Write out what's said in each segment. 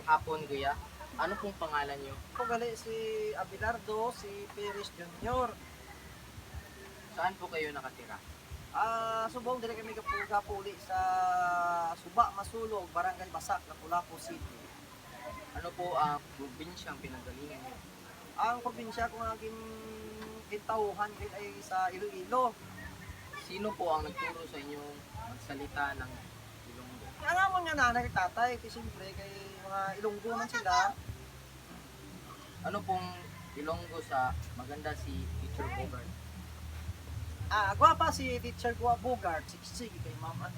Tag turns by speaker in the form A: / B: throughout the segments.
A: hapon, kuya. Ano pong pangalan niyo?
B: Ako gali si Abelardo, si Perez Jr.
A: Saan po kayo nakatira?
B: Subong dire kami kapuli sa Suba, Masulog, Barangay Basak, Lapu-Lapu City.
A: Ano po ang probinsyang pinanggalingan niyo?
B: Ang probinsya kung naging gintauhan din ay sa Iloilo.
A: Sino po ang nagturo sa inyong magsalita ng Ilonggo?
B: Nga mo nga nanay kay tatay, kasi siyempre kay mga Ilonggo man sila.
A: Ano pong Ilonggo sa maganda si Teacher Bogart?
B: Gwapa si Teacher Bogart, siksig kay mama.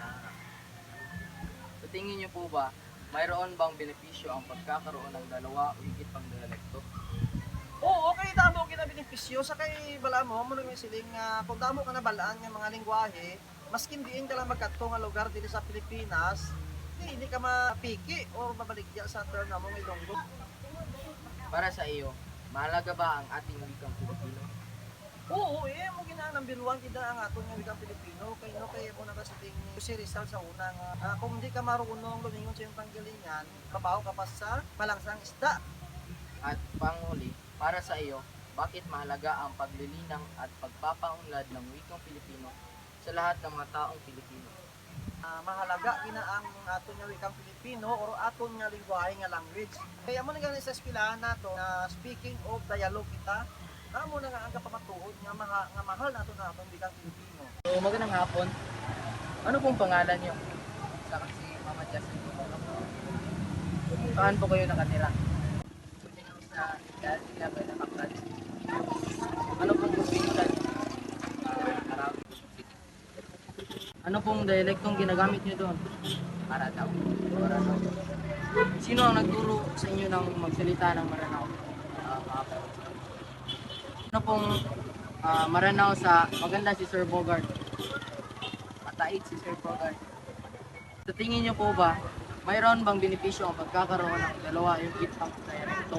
A: Sa tingin niyo po ba, mayroon bang benepisyo ang pagkakaroon ng dalawa o higit pang dialekto?
B: Oo, okay, damo kita benepisyo sa kay bala mo nang siling kung damo ka na balaan ng mga lingwahe, maskin diin ka lang magkadto nga lugar dito sa Pilipinas, hindi ka mapiki o mabaligya sa term na mong Ilonggo.
A: Para sa iyo, mahalaga ba ang ating wikang Pilipino?
B: Oo, mo ginang number 1 kita ang aton nga wikang Pilipino kay no kay mo na siling si Rizal sa una nga kung hindi ka marunong lumingon sa iyong panggalingan, kabaho ka pa sa malangsang isda.
A: At panghuli, para sa iyo, bakit mahalaga ang paglilinang at pagpapaunlad ng wikang Pilipino sa lahat ng mga taong Pilipino?
B: Mahalaga ina ang aton nga wikang Pilipino or aton nga lingwahe nga language. Kaya mo na sa eskwelahan nato na speaking of dialogue kita, amo na nga ang kapamatuod nga, mahal nato na aton wikang Pilipino.
A: So, magandang hapon. Ano pong pangalan niyo? Sa si Mama Justin. Saan po kayo nakatira? Sa Dalaga ng Aklan. Ano pong probinsya niyo? Arab. Ano pong dialektong ginagamit niyo doon? Maranao. Maranao. Sino ang nagturo sa inyo ng magsalita ng Maranao? Ano pong Maranao sa maganda si Sir Bogart? Matait si Sir Bogart. Sa tingin niyo po ba, mayroon bang benepisyo ang pagkakaroon ng dalawa yung kitang dialekto?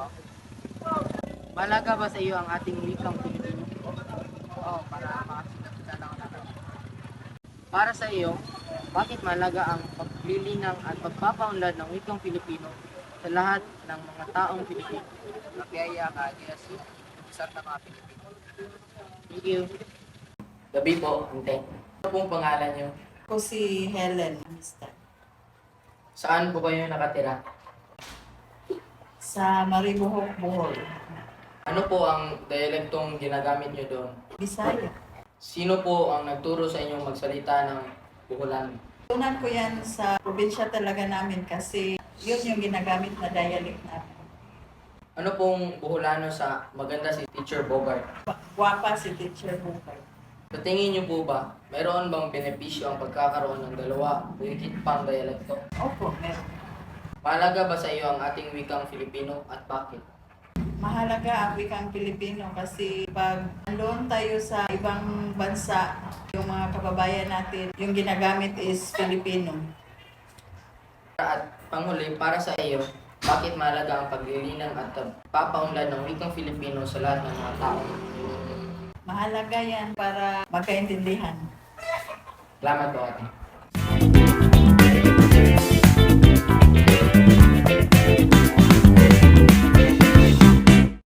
A: Malaga ba sa iyo ang ating wikang Pilipino? Oo, para makakita lang natin. Para sa iyo, bakit mahalaga ang paglilinang at pagpapaunlad ng wikang Pilipino sa lahat ng mga taong Pilipino? Napiyaya ka, Jesse. Isang na mga Pilipino. Thank you. Gabi po, ante. Ano pong pangalan niyo?
C: Ako si Helen Amistad.
A: Saan po kayo nakatira?
C: Sa Maribohok, Bohol.
A: Ano po ang dialektong ginagamit niyo doon?
C: Bisaya.
A: Sino po ang nagturo sa inyong magsalita ng Buholan?
C: Tunan ko yan sa probinsya talaga namin kasi yun yung ginagamit na dialect namin.
A: Ano pong Buholano sa maganda si Teacher Bogart?
C: Guwapa si Teacher Bogart.
A: Sa tingin niyo po ba, mayroon bang benepisyo ang pagkakaroon ng dalawa o higit pang dialekto?
C: Opo, meron.
A: Mahalaga ba sa iyo ang ating wikang Filipino at bakit?
C: Mahalaga ang wikang Pilipino kasi pag andun tayo sa ibang bansa, yung mga kababayan natin, yung ginagamit is Filipino.
A: At panghuli, para sa iyo, bakit mahalaga ang paglilinang at pagpapaunlad ng wikang Filipino sa lahat ng mga tao?
C: Mahalaga yan para magkaintindihan.
A: Salamat po ate.